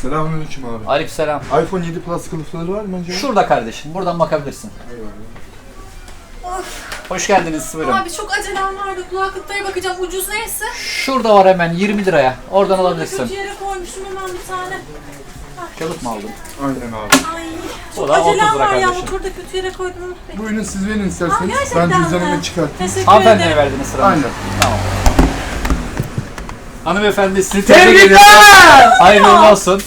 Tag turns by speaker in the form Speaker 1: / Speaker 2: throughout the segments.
Speaker 1: Selamünaleyküm abi.
Speaker 2: Aleykümselam.
Speaker 1: iPhone 7 Plus kılıfları var mı acaba?
Speaker 2: Şurada kardeşim. Buradan bakabilirsin.
Speaker 3: Of.
Speaker 2: Hoş geldiniz. Buyurun.
Speaker 3: Abi çok acelem vardı. Kulaklıklara bakacağım. Ucuz neyse.
Speaker 2: Şurada var hemen 20 liraya. Oradan alabilirsin.
Speaker 3: Kötü yere koymuşum hemen bir tane.
Speaker 2: Kılıf mı aldın?
Speaker 1: Aynen abi.
Speaker 3: Ay.
Speaker 2: O
Speaker 3: Çok
Speaker 2: da 30
Speaker 3: acelem
Speaker 2: lira
Speaker 3: var ya.
Speaker 2: kardeşim.
Speaker 3: Motorda kötü yere koydum.
Speaker 1: Buyurun siz verin
Speaker 3: Aa,
Speaker 1: isterseniz.
Speaker 3: gerçekten
Speaker 1: Ben
Speaker 3: mi?
Speaker 1: cüzdanımı çıkartayım.
Speaker 3: Teşekkür
Speaker 2: Hanımefendiye
Speaker 3: ederim.
Speaker 2: verdiniz sıranızı.
Speaker 1: Aynen.
Speaker 2: Tamam. Hanımefendi sizi
Speaker 4: Tebrikler!
Speaker 2: Hayırlı olsun.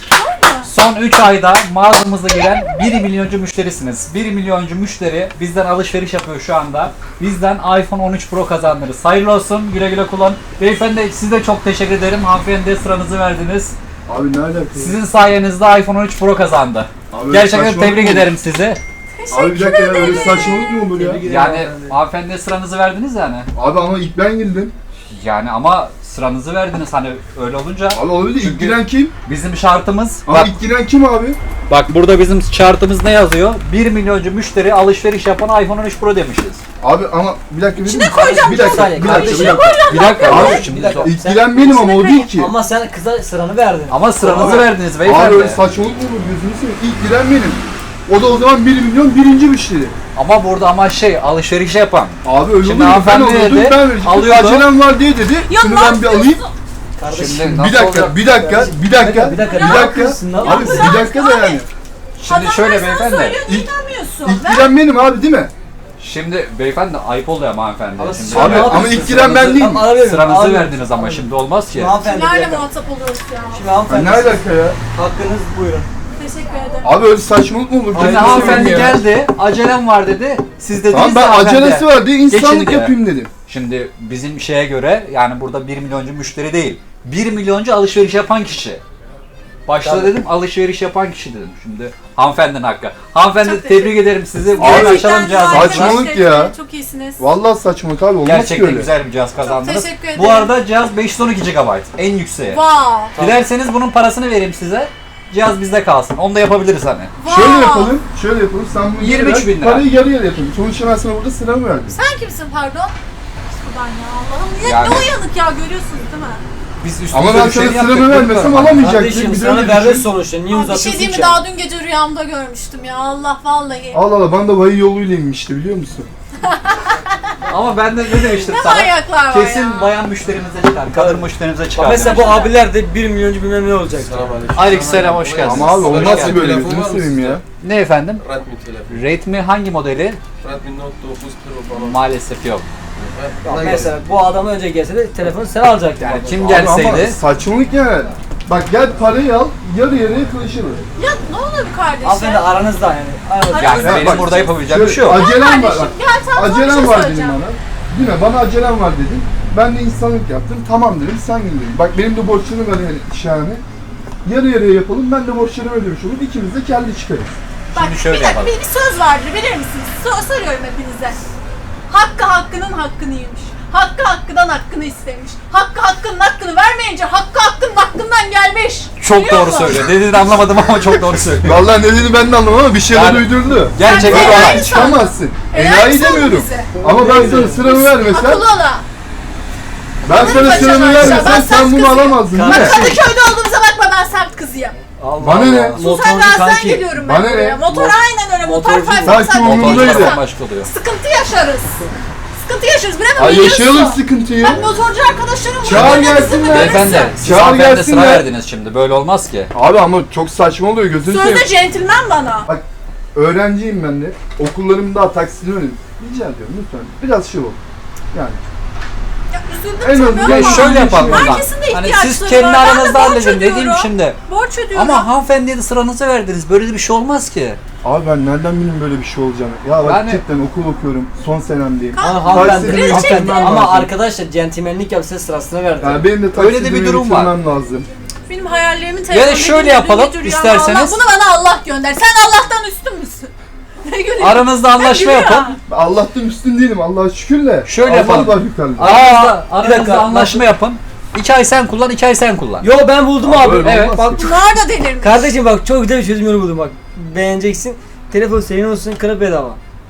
Speaker 2: Son 3 ayda mağazamıza giren 1 milyoncu müşterisiniz. 1 milyoncu müşteri bizden alışveriş yapıyor şu anda. Bizden iPhone 13 Pro kazandınız. Hayırlı olsun. Güle güle kullan. Beyefendi size çok teşekkür ederim. Hanımefendiye sıranızı verdiniz.
Speaker 1: Abi ne alaka?
Speaker 2: Sizin sayenizde iPhone 13 Pro kazandı.
Speaker 1: Abi
Speaker 2: Gerçekten
Speaker 1: saçmalık
Speaker 2: tebrik
Speaker 1: mı?
Speaker 2: ederim sizi.
Speaker 1: Abi bir dakika ya öyle saçmalık mı olur ya?
Speaker 2: Yani hanımefendiye sıranızı verdiniz yani.
Speaker 1: Abi ama ilk ben girdim.
Speaker 2: Yani ama sıranızı verdiniz hani öyle olunca.
Speaker 1: Abi olabilir. İlk
Speaker 2: Çünkü
Speaker 1: giren kim?
Speaker 2: bizim şartımız
Speaker 1: Ama
Speaker 2: bak,
Speaker 1: ilk giren kim abi?
Speaker 2: bak burada bizim şartımız ne yazıyor? 1 milyoncu müşteri alışveriş yapan iPhone 13 Pro demişiz.
Speaker 1: Abi ama bir dakika
Speaker 3: İçine koyacağım.
Speaker 1: bir dakika.
Speaker 4: Saniye,
Speaker 1: Bir dakika.
Speaker 4: kardeşim.
Speaker 1: Bir dakika.
Speaker 2: Bir dakika
Speaker 1: Abi,
Speaker 2: abi şimdi zor.
Speaker 1: İlk giren benim ama o değil ki.
Speaker 4: Ama sen kıza sıranı verdin.
Speaker 2: Ama sıranızı
Speaker 1: Abi-
Speaker 2: verdiniz
Speaker 1: Abi
Speaker 2: beyefendi.
Speaker 1: öyle saçmalık mı olur gözünü seveyim. İlk giren benim. O da o zaman 1 milyon birinci müşteri.
Speaker 2: Ama burada ama alışveriş yapan.
Speaker 1: Abi öyle
Speaker 2: Şimdi
Speaker 1: olur. Ben
Speaker 2: hanımefendi
Speaker 1: olurdum
Speaker 2: dedi,
Speaker 1: ben vereceğim.
Speaker 2: alıyordu.
Speaker 1: Acelem var diye dedi.
Speaker 3: Ya
Speaker 1: Şunu
Speaker 3: ne
Speaker 1: ben bir alayım.
Speaker 4: Kardeşim.
Speaker 2: Şimdi nasıl
Speaker 1: Bir dakika,
Speaker 2: olacak?
Speaker 1: bir dakika, bir dakika,
Speaker 4: Bir dakika,
Speaker 1: bir
Speaker 4: ne
Speaker 1: dakika.
Speaker 4: yapıyorsun lan?
Speaker 1: Abi bir dakika da yani.
Speaker 2: Şimdi
Speaker 3: Adamlar
Speaker 2: şöyle
Speaker 3: sana
Speaker 2: beyefendi.
Speaker 3: söylüyor,
Speaker 1: İlk-
Speaker 3: inanmıyorsun.
Speaker 1: İlk
Speaker 3: Ver.
Speaker 1: giren benim abi değil mi?
Speaker 2: Şimdi beyefendi ayıp oluyor ama hanımefendi.
Speaker 4: Ama
Speaker 2: Şimdi
Speaker 4: siz şu an
Speaker 1: Abi
Speaker 4: ne
Speaker 1: ama
Speaker 4: yapıyorsun?
Speaker 1: ilk giren ben değilim.
Speaker 4: Tamam, arabaya
Speaker 2: sıranızı
Speaker 4: bin,
Speaker 2: verdiniz ama şimdi olmaz ki.
Speaker 4: Şimdi hanımefendi bir
Speaker 3: Kimlerle
Speaker 4: dakika.
Speaker 3: muhatap oluyoruz ya?
Speaker 4: Şimdi
Speaker 1: Ya
Speaker 4: hanımefendi.
Speaker 1: ne alaka ya?
Speaker 4: Hakkınız buyurun.
Speaker 3: Teşekkür ederim.
Speaker 1: Abi öyle saçmalık mı olur?
Speaker 2: Şimdi
Speaker 1: Gözünü
Speaker 2: hanımefendi
Speaker 1: seveyim ya.
Speaker 2: geldi, acelem var dedi. Siz dediniz
Speaker 1: Tamam ben
Speaker 2: ya hanımefendi,
Speaker 1: acelesi var diye insanlık
Speaker 2: geçin diye.
Speaker 1: yapayım dedim.
Speaker 2: Şimdi bizim şeye göre yani burada 1 milyoncu müşteri değil. 1 milyoncu alışveriş yapan kişi. Başta
Speaker 4: Tabii.
Speaker 2: dedim alışveriş yapan kişi dedim. Şimdi hanımefendinin hakkı. Hanımefendi
Speaker 3: Çok
Speaker 2: tebrik ederim sizi. Bugün
Speaker 1: Abi,
Speaker 2: açalım cihazımızı.
Speaker 1: saçmalık
Speaker 3: Teşekkür
Speaker 1: ya.
Speaker 3: ederim, çok iyisiniz.
Speaker 1: Vallahi saçmalık abi olmaz ki
Speaker 2: Gerçekten
Speaker 1: öyle.
Speaker 2: güzel bir cihaz kazandınız.
Speaker 3: teşekkür ederim.
Speaker 2: Bu arada cihaz 512 GB en yükseği.
Speaker 3: Wow.
Speaker 2: Dilerseniz bunun parasını vereyim size. Cihaz bizde kalsın. Onu da yapabiliriz hani.
Speaker 3: Wow.
Speaker 1: Şöyle yapalım, şöyle yapalım. Sen bunu
Speaker 2: 23
Speaker 1: ver,
Speaker 2: bin lira.
Speaker 1: Parayı yarı yarı yapalım. Sonuçta ben sana burada sıramı verdim.
Speaker 3: Sen kimsin pardon? Buradan ya Allah'ım. Niye
Speaker 2: Yani-
Speaker 3: ne uyanık ya görüyorsunuz değil mi?
Speaker 2: Biz üstümüze
Speaker 1: Ama ben
Speaker 2: bir şey
Speaker 1: sana
Speaker 2: yaptık,
Speaker 1: sıramı vermesem
Speaker 2: lütfen.
Speaker 1: alamayacaktım.
Speaker 4: Kardeşim
Speaker 1: Bir de
Speaker 4: sıranı
Speaker 1: öyle
Speaker 4: verdin
Speaker 1: düşün.
Speaker 4: sonuçta. Niye
Speaker 3: Abi bir
Speaker 4: uzatıyorsun
Speaker 3: şey diyeyim mi?
Speaker 4: ki?
Speaker 3: Daha dün gece rüyamda görmüştüm ya. Allah vallahi.
Speaker 1: Allah Allah ben de vahiy yoluyla inmişti biliyor musun?
Speaker 2: Ama ben de ne demiştim
Speaker 3: Ne
Speaker 2: sana?
Speaker 3: manyaklar var
Speaker 2: Kesin
Speaker 3: ya.
Speaker 2: bayan müşterimize çıkar, kadın müşterimize çıkar.
Speaker 4: Bak mesela bu
Speaker 2: demiştim.
Speaker 4: abiler de 1 milyoncu bilmem ne olacak.
Speaker 2: Aleykümselam, hoş geldiniz.
Speaker 1: Ama abi olmaz
Speaker 2: Hoş
Speaker 1: ki böyle
Speaker 5: Telefon var
Speaker 1: gözünü
Speaker 5: mı
Speaker 1: seveyim ya.
Speaker 2: Ne efendim?
Speaker 5: Redmi telefon.
Speaker 2: Redmi hangi modeli?
Speaker 5: Redmi Note 9 Pro falan.
Speaker 2: Maalesef yok.
Speaker 4: Bak mesela bu adam önce gelse de telefonu sen alacaktın.
Speaker 2: Yani
Speaker 4: bak.
Speaker 2: kim
Speaker 1: Abi ama
Speaker 2: gelseydi
Speaker 1: saçmalık ya. Bak gel parayı al, yarı yarıya kılıçılır.
Speaker 3: Ya ne olur
Speaker 4: Hanımefendi
Speaker 3: kardeşim?
Speaker 4: aranızda yani. Aranızda.
Speaker 2: yani
Speaker 3: Aramızda-
Speaker 2: benim
Speaker 1: bak,
Speaker 2: burada yapabileceğim bir şey
Speaker 1: Şöyle,
Speaker 2: yok.
Speaker 1: acelem var
Speaker 3: Kardeşim
Speaker 1: bak.
Speaker 3: gel sen sana bir
Speaker 1: Acelem
Speaker 3: şey
Speaker 1: var dedim
Speaker 3: söyleyeceğim.
Speaker 1: bana. Değil mi? Bana acelem var dedim. Ben de insanlık yaptım. Tamam dedim, sen gel dedim. Bak benim de borçlarım var yani şahane. Yarı yarıya yapalım, ben de borçlarımı ödemiş olur. İkimiz de kendi çıkarız.
Speaker 3: Bak
Speaker 2: Şimdi şöyle
Speaker 3: bir dakika
Speaker 2: yapalım.
Speaker 3: bir söz vardır bilir misiniz? Soruyorum hepinize. Hakkı hakkının hakkını yemiş. Hakkı hakkından hakkını istemiş. Hakkı hakkının hakkını vermeyince hakkı hakkının hakkından gelmiş.
Speaker 2: Çok
Speaker 3: Biliyor
Speaker 2: doğru
Speaker 3: musun?
Speaker 2: söylüyor. Dediğini anlamadım ama çok doğru söylüyor.
Speaker 1: Vallahi ne dediğini ben de anlamadım ama bir şeyler
Speaker 2: Yani-
Speaker 1: uydurdu.
Speaker 2: Gerçekten
Speaker 3: Sen
Speaker 2: olay.
Speaker 3: enayi
Speaker 1: Çıkamazsın.
Speaker 3: Enayi
Speaker 1: Enayi
Speaker 3: sandın
Speaker 1: demiyorum.
Speaker 3: bizi.
Speaker 1: Ama ben sana sıramı vermesem,
Speaker 3: Akıllı ola.
Speaker 1: ben sana
Speaker 3: Kaçan
Speaker 1: sıramı
Speaker 3: aşağı, ben
Speaker 1: vermesem
Speaker 3: sert
Speaker 1: sen bunu
Speaker 3: kızıyım.
Speaker 1: alamazdın değil mi?
Speaker 4: Kardeşim.
Speaker 3: Kadıköy'de olduğumuza bakma ben sert kızıyım.
Speaker 4: Allah
Speaker 1: Bana ne?
Speaker 4: Allah.
Speaker 3: Susan
Speaker 4: Motorcu
Speaker 3: Gazi'den
Speaker 4: kanki.
Speaker 3: geliyorum
Speaker 1: Bana
Speaker 3: ben
Speaker 1: ne?
Speaker 3: buraya. Motor aynen öyle. Motor
Speaker 4: Motorcu.
Speaker 3: fayda.
Speaker 1: Sanki umurumdaydı.
Speaker 2: Motorcudan başka oluyor.
Speaker 3: Sıkıntı yaşarız. Sıkıntı yaşarız. Bilemem.
Speaker 1: Ay yaşayalım
Speaker 3: biliyorsun.
Speaker 1: sıkıntıyı.
Speaker 3: Ben motorcu arkadaşlarım
Speaker 1: Çağır
Speaker 3: burada
Speaker 1: gelsinler.
Speaker 2: Beyefendi, siz
Speaker 1: Çağır
Speaker 2: hanımefendi sıra
Speaker 1: gelsinler.
Speaker 2: verdiniz şimdi. Böyle olmaz ki.
Speaker 1: Abi ama çok saçma oluyor gözünü seveyim.
Speaker 3: Sözde centilmen bana.
Speaker 1: Öğrenciyim ben de. Okullarımda daha taksini öğrendim. Rica ediyorum lütfen. Biraz şey ol. Yani.
Speaker 3: Ya üzüldüm
Speaker 1: En
Speaker 3: tabii
Speaker 1: azından-
Speaker 3: ama.
Speaker 2: Ya şöyle yapalım o zaman.
Speaker 3: Herkesin de
Speaker 2: Hani
Speaker 3: ihtiyaçları
Speaker 2: siz kendi
Speaker 3: var. Ben de
Speaker 2: aranızda
Speaker 3: borç
Speaker 2: halledin dediğim
Speaker 3: ödüyorum.
Speaker 2: şimdi.
Speaker 3: Borç ödüyorum.
Speaker 2: Ama hanımefendiye de sıranızı verdiniz. Böyle de bir şey olmaz ki.
Speaker 1: Abi ben nereden bileyim böyle bir şey olacağını? Ya bak
Speaker 2: Yani-
Speaker 1: cidden okul okuyorum. Son senemdeyim.
Speaker 4: Ama hanımefendi
Speaker 1: Taksini
Speaker 3: Gerçekten.
Speaker 1: bitirmem
Speaker 4: ama
Speaker 1: lazım.
Speaker 4: arkadaşlar centilmenlik yapsa sırasına verdi.
Speaker 1: Yani benim de
Speaker 2: Öyle de
Speaker 1: taksimi
Speaker 2: bir durum var.
Speaker 1: bitirmem lazım.
Speaker 3: Benim hayallerimin
Speaker 2: Ya
Speaker 3: telefonu.
Speaker 2: da şöyle yapalım, isterseniz.
Speaker 3: Allah, bunu bana Allah gönder. Sen Allah'tan üstün müsün? Ne gülüyorsun?
Speaker 2: Aranızda anlaşma
Speaker 3: gülüyor.
Speaker 2: yapın.
Speaker 1: Allah'tan üstün değilim Allah'a şükür de.
Speaker 2: Şöyle
Speaker 1: Allah
Speaker 2: yapalım.
Speaker 1: var yukarıda.
Speaker 2: Aranızda,
Speaker 4: bir
Speaker 2: aranızda
Speaker 4: dakika,
Speaker 2: anlaşma yapın. 2 ay sen kullan, 2 ay sen kullan.
Speaker 4: Yo ben buldum
Speaker 1: Abi
Speaker 4: abi.
Speaker 1: öyle
Speaker 2: Evet,
Speaker 1: olmaz
Speaker 2: bak
Speaker 1: ki.
Speaker 3: Bunlar da delirmiş.
Speaker 4: Kardeşim bak çok güzel bir çözüm yolu buldum bak. Beğeneceksin. Telefon senin olsun, kırıp bedava.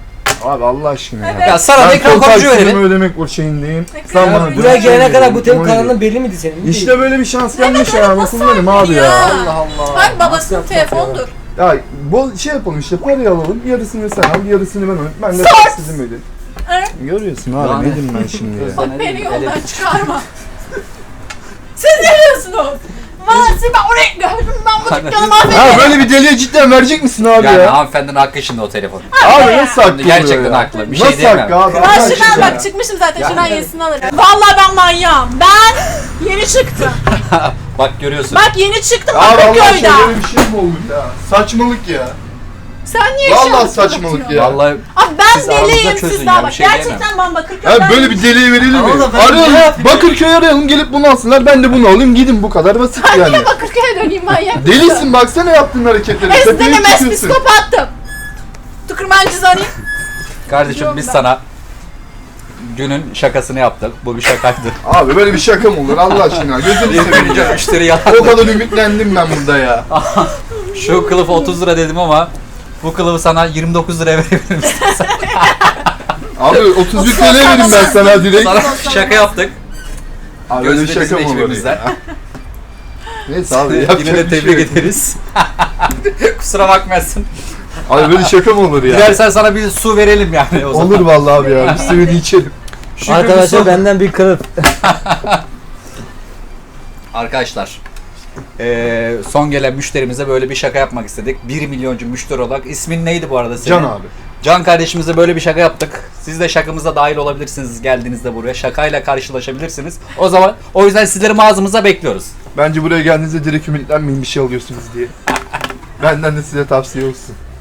Speaker 1: Abi Allah aşkına ya.
Speaker 3: Evet.
Speaker 2: Ya sana da
Speaker 1: Ben
Speaker 2: ekran
Speaker 1: kol
Speaker 2: koruyucu
Speaker 1: taksitimi
Speaker 2: verelim.
Speaker 1: ödemek o şeyindeyim.
Speaker 3: Ekran
Speaker 1: Sen bana
Speaker 3: koruyucu.
Speaker 4: Buraya
Speaker 1: dört şey
Speaker 4: gelene kadar bu
Speaker 1: veriyorsun,
Speaker 4: telefon
Speaker 1: öyle değil.
Speaker 4: kanalının belli miydi senin?
Speaker 1: İşte böyle bir şans gelmiş
Speaker 3: Evet,
Speaker 1: ya.
Speaker 3: nasıl
Speaker 1: Kullanırım abi ya.
Speaker 3: ya?
Speaker 4: Allah Allah.
Speaker 3: Bak babasının
Speaker 4: Nasıl
Speaker 3: telefonudur.
Speaker 1: Ya bol şey yapalım işte parayı alalım. Yarısını sen al, yarısını ben alayım. Ben de
Speaker 3: Sor.
Speaker 1: taksitimi ödeyim.
Speaker 3: Evet.
Speaker 1: Görüyorsun abi
Speaker 2: Yani.
Speaker 1: ne diyeyim ben şimdi ya.
Speaker 3: Bak beni yoldan çıkarma. Siz ne diyorsunuz? Valla siz ben oraya gördüm ben bu dükkanı mahvettim.
Speaker 1: Ha böyle bir deliye cidden verecek misin abi
Speaker 2: Yani
Speaker 1: ya?
Speaker 2: hanımefendinin hakkı şimdi o telefon.
Speaker 1: Abi nasıl hakkı oluyor
Speaker 2: Gerçekten
Speaker 1: ya?
Speaker 2: haklı. Bir şey
Speaker 1: Nasıl
Speaker 2: diyemem.
Speaker 1: hakkı abi?
Speaker 3: Ben
Speaker 1: Allah
Speaker 3: şuradan
Speaker 1: aşkına ya.
Speaker 3: bak çıkmışım zaten
Speaker 2: Ya.
Speaker 3: şuradan yenisini alırım. Valla ben manyağım. Ben yeni çıktım.
Speaker 2: Bak görüyorsun.
Speaker 3: Bak yeni çıktım
Speaker 1: Abi Allah aşkına
Speaker 3: Bakırköy'den.
Speaker 1: böyle bir şey mi olur ya? Saçmalık ya.
Speaker 3: Sen niye
Speaker 1: Vallahi
Speaker 3: şu an
Speaker 1: saçmalık
Speaker 3: kapatıyorsun?
Speaker 1: ya.
Speaker 2: Vallahi
Speaker 3: Abi ben
Speaker 2: Siz aranızda
Speaker 3: deliyim
Speaker 2: çözün
Speaker 3: siz
Speaker 2: ya,
Speaker 3: daha
Speaker 2: bir
Speaker 3: bak.
Speaker 2: şey diyemem.
Speaker 3: Gerçekten ben Bakırköy'den
Speaker 1: Ya böyle bir deliğe verelim mi?
Speaker 4: Tamam da ben ne
Speaker 1: Arayalım.
Speaker 4: yapayım?
Speaker 1: Bakırköy'ü arayalım gelip bunu alsınlar. Ben de bunu alayım gidin bu kadar basit yani.
Speaker 3: Niye Bakırköy'e döneyim manyak mısın?
Speaker 1: Delisin baksana yaptığın hareketleri. Tepeye
Speaker 3: Esnedim
Speaker 1: çıkıyorsun.
Speaker 3: psikopattım. Tıkırmancı arayayım.
Speaker 2: kardeşim biz sana günün şakasını yaptık. Bu bir şakaydı.
Speaker 1: Abi böyle bir şaka mı olur Allah aşkına? Gözünü seveyim ya.
Speaker 2: Müşteri yalan.
Speaker 1: O kadar ümitlendim ben burada ya.
Speaker 2: Şu kılıfı 30 lira dedim ama bu kılıfı sana 29 liraya verebilirim.
Speaker 1: Abi 31 TL verim ben sana direkt.
Speaker 2: Sana şaka yaptık.
Speaker 1: Abi böyle bir
Speaker 2: Gözde
Speaker 1: şaka
Speaker 2: bizim
Speaker 1: mı olur
Speaker 2: ekibimizden.
Speaker 1: ya? Neyse abi
Speaker 2: Yine
Speaker 1: yapacak
Speaker 2: de
Speaker 1: bir şey
Speaker 2: tebrik
Speaker 1: yok.
Speaker 2: ederiz. Kusura bakmazsın.
Speaker 1: Abi böyle şaka mı olur ya?
Speaker 2: Dilersen sana bir su verelim yani o zaman.
Speaker 1: Olur vallahi abi ya. Bir seviyede içelim.
Speaker 2: Şükür
Speaker 4: Arkadaşlar
Speaker 2: bir su.
Speaker 4: benden bir kılıf.
Speaker 2: Arkadaşlar son gelen müşterimize böyle bir şaka yapmak istedik. 1 milyoncu müşteri olarak. İsmin neydi bu arada senin?
Speaker 1: Can abi.
Speaker 2: Can kardeşimize böyle bir şaka yaptık. Siz de şakamıza dahil olabilirsiniz geldiğinizde buraya. Şakayla karşılaşabilirsiniz. O yüzden sizleri mağazamıza bekliyoruz.
Speaker 1: Bence buraya geldiğinizde direkt ümitlenmeyin bir şey alıyorsunuz diye. Benden de size tavsiye olsun.